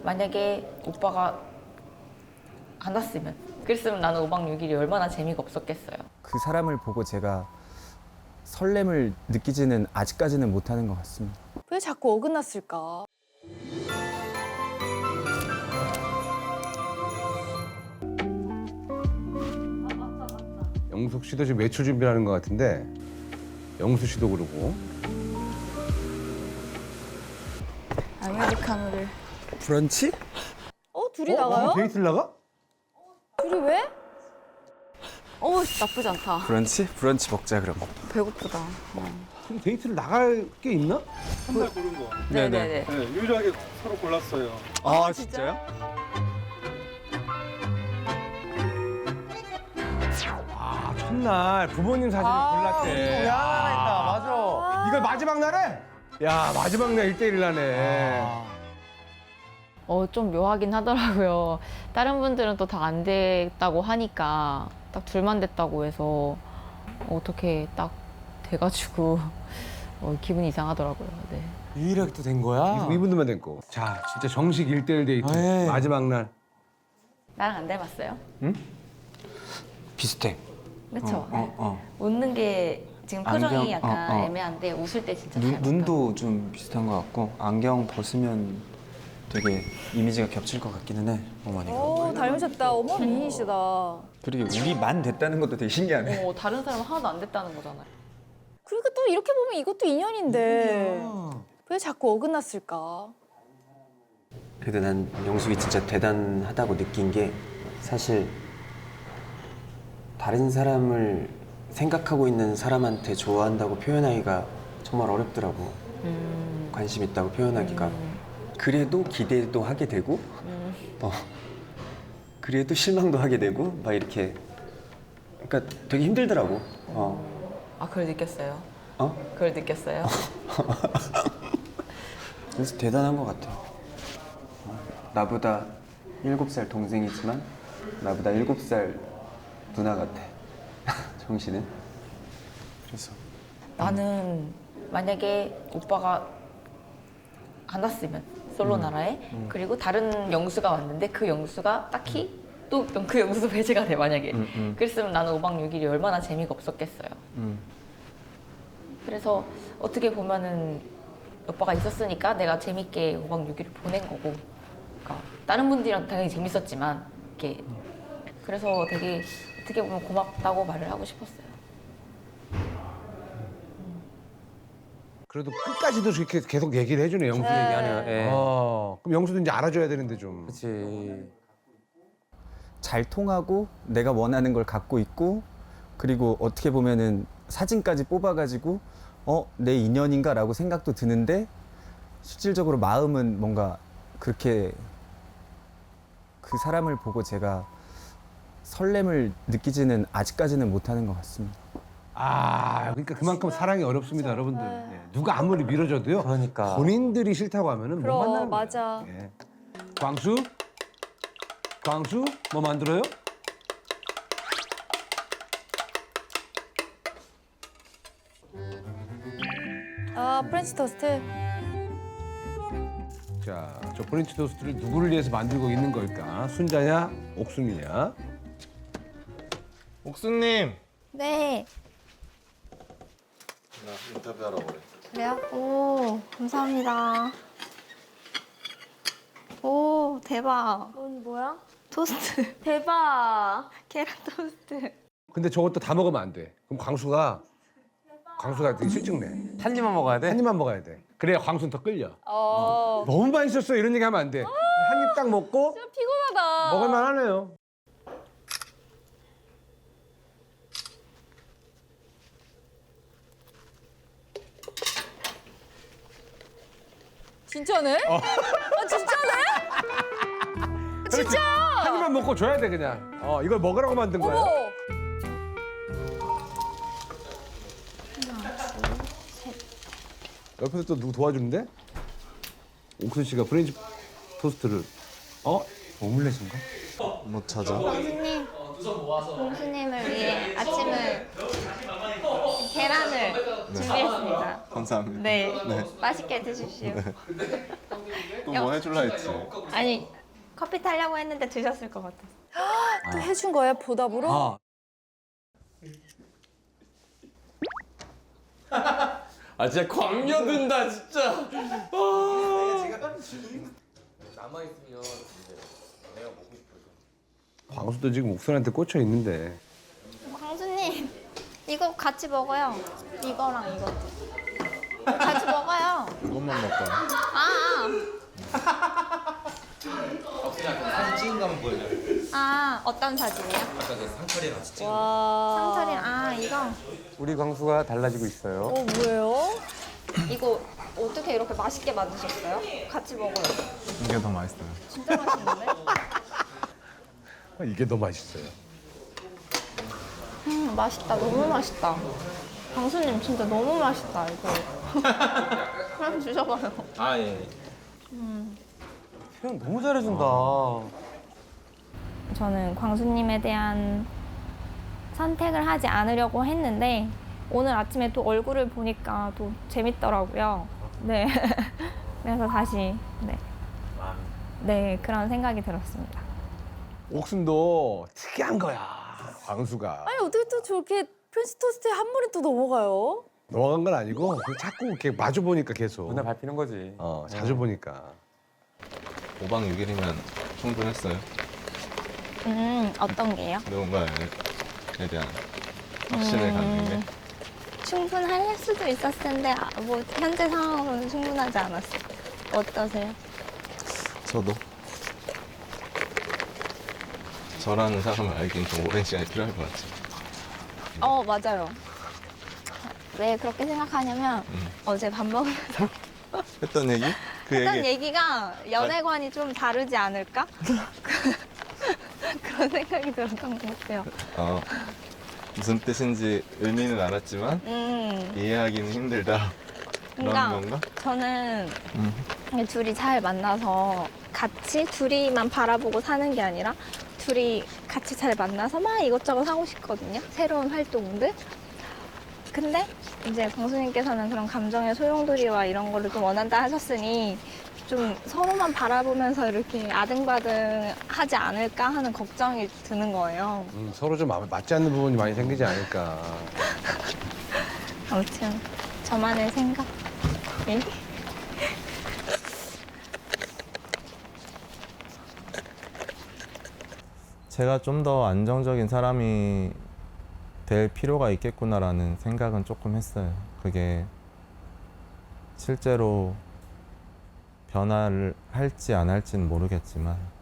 만약에 오빠가 안 왔으면, 그랬으면 나는 5박 6일이 얼마나 재미가 없었겠어요. 그 사람을 보고 제가 설렘을 느끼지는 아직까지는 못하는 것 같습니다. 왜 자꾸 어긋났을까? 영숙 씨도 지금 외출 준비하는 것 같은데 영수 씨도 그러고. 아메리카노를. 브런치? 둘이 나가요? 데이트를 나가? 둘이 왜? 나쁘지 않다. 브런치? 브런치 먹자 그럼. 배고프다. 지금 데이트를 나갈 게 있나? 한달 고른 거. 네네네. 네, 유일하게 서로 골랐어요. 아 진짜요? 아 첫날 부모님 사진을 골랐대. 미안하다, 맞아. 이걸 마지막 날에? 야 마지막 날 1대1 나네. 좀 묘하긴 하더라고요. 다른 분들은 또 다 안 됐다고 하니까 딱 둘만 됐다고 해서 어떻게 딱 돼가지고 기분이 이상하더라고요. 네. 유일하게 또 된 거야? 이분들만 됐고. 자 진짜 정식 1대1 데이트 에이. 마지막 날. 나랑 안 닮았어요? 비슷해. 그쵸? 어. 웃는 게 지금 표정이 안경, 약간 어. 애매한데 웃을 때 진짜 잘 눈도 좀 비슷한 것 같고 안경 벗으면 되게 이미지가 겹칠 것 같기는 해, 어머니가. 닮으셨다. 어머, 미인이시다. 그리고 우리만 됐다는 것도 되게 신기하네. 다른 사람은 하나도 안 됐다는 거잖아요. 그러니까 또 이렇게 보면 이것도 인연인데 왜 자꾸 어긋났을까? 그래도 난 영숙이 진짜 대단하다고 느낀 게 사실 다른 사람을 생각하고 있는 사람한테 좋아한다고 표현하기가 정말 어렵더라고. 관심 있다고 표현하기가. 그래도 기대도 하게 되고 그래도 실망도 하게 되고 막 이렇게 그러니까 되게 힘들더라고. 그걸 느꼈어요? 어? 그걸 느꼈어요? 그래서 대단한 것 같아. 나보다 7살 동생이지만 나보다 7살 누나 같아. 정신은. 그래서 나는 만약에 오빠가 안 왔으면 솔로 나라에 그리고 다른 영수가 왔는데 그 영수가 딱히 또 그 영수 배제가 돼 만약에 그랬으면 나는 5박 6일이 얼마나 재미가 없었겠어요. 그래서 어떻게 보면은 오빠가 있었으니까 내가 재밌게 5박 6일을 보낸 거고 그러니까 다른 분들이랑 당연히 재밌었지만 이렇게 그래서 되게 어떻게 보면 고맙다고 말을 하고 싶었어요. 그래도 끝까지도 이렇게 계속 얘기를 해주네 영수 얘기하면. 예. 그럼 영수도 이제 알아줘야 되는데 좀. 그렇지. 잘 통하고 내가 원하는 걸 갖고 있고 그리고 어떻게 보면은 사진까지 뽑아가지고 내 인연인가라고 생각도 드는데 실질적으로 마음은 뭔가 그렇게 그 사람을 보고 제가 설렘을 느끼지는 아직까지는 못하는 것 같습니다. 그러니까 그만큼 사랑이 어렵습니다, 여러분들. 예. 누가 아무리 밀어줘도요. 그러니까. 본인들이 싫다고 하면은 못 그럼, 만나는 거예요. 맞아. 예. 광수, 뭐 만들어요? 프렌치 토스트. 자, 저 프렌치 토스트를 누구를 위해서 만들고 있는 걸까? 순자냐, 옥순이냐? 옥수님. 네. 인터뷰하러 그래. 그래요? 오, 감사합니다. 오, 대박. 뭐야? 토스트. 대박. 계란 토스트. 근데 저것도 다 먹으면 안 돼. 그럼 광수가 되게 실증내. 한 입만 먹어야 돼? 한 입만 먹어야 돼. 그래야 광수는 더 끌려. 어. 너무 맛있었어 이런 얘기 하면 안 돼. 한 입 딱 먹고 피곤하다. 먹을만 하네요. 진짜네? 진짜네? 진짜! 한 입만 먹고 줘야 돼 그냥. 이걸 먹으라고 만든 거야. 어머. 옆에서 또 누구 도와주는데? 옥순 씨가 프렌치 토스트를 오믈렛인가? 못 찾아. 공수님, 공수님을 위해 아침을 계란을 준비했습니다. 감사합니다. 네, 맛있게 드십시오. 또 뭐 해줄라 했지. 아니 커피 타려고 했는데 드셨을 것 같아. 또 해준 거야 보답으로? 아. 아 진짜 광녀든다 진짜. 광수도 지금 옥선한테 꽂혀 있는데. 광수님 이거 같이 먹어요. 이거랑 이것도. 같이 먹어요. 그것만 먹고. 사진 찍은 거 한번 보여줘요. 아 어떤 사진이요? 아까 그 상철이랑 같이 찍은 거. 상철이 이거 우리 광수가 달라지고 있어요. 뭐예요? 이거 어떻게 이렇게 맛있게 만드셨어요? 같이 먹어요. 이게 더 맛있어요. 진짜 맛있는데? 이게 더 맛있어요. 맛있다. 너무 맛있다. 광수님 진짜 너무 맛있다 이거. 한번 주셔봐요. 아 예. 표현 너무 잘해준다. 저는 광수님에 대한 선택을 하지 않으려고 했는데 오늘 아침에 또 얼굴을 보니까 또 재밌더라고요. 네. 그래서 다시 네 그런 생각이 들었습니다. 옥순도 특이한 거야. 광수가. 아니 어떻게 또 저렇게 프렌치 토스트에 한 번에 또 넘어가요? 넘어간 건 아니고 그냥 자꾸 이렇게 마주 보니까 계속. 눈에 밟히는 거지. 자주 보니까. 5박 6일이면 충분했어요. 어떤 게요? 누군가에 대한 확신을 갖는 게. 충분할 수도 있었을 텐데 뭐 현재 상황으로는 충분하지 않았어요. 어떠세요? 저도 저라는 사람을 알기엔 좀 오랜 시간이 필요할 것 같아요. 맞아요. 왜 그렇게 생각하냐면 어제 밥 먹으면서 했던 얘기? 그 했던 얘기 얘기가 연애관이 좀 다르지 않을까? 그런 생각이 들었던 것 같아요. 무슨 뜻인지 의미는 알았지만 이해하기는 힘들다. 그런 그러니까 건가? 저는 둘이 잘 만나서 같이 둘이만 바라보고 사는 게 아니라 둘이 같이 잘 만나서 막 이것저것 하고 싶거든요. 새로운 활동들. 근데 이제 광수님께서는 그런 감정의 소용돌이와 이런 거를 좀 원한다 하셨으니 좀 서로만 바라보면서 이렇게 아등바등 하지 않을까 하는 걱정이 드는 거예요. 서로 좀 맞지 않는 부분이 많이 생기지 않을까. 아무튼 저만의 생각. 예? 제가 좀 더 안정적인 사람이 될 필요가 있겠구나라는 생각은 조금 했어요. 그게 실제로 변화를 할지 안 할지는 모르겠지만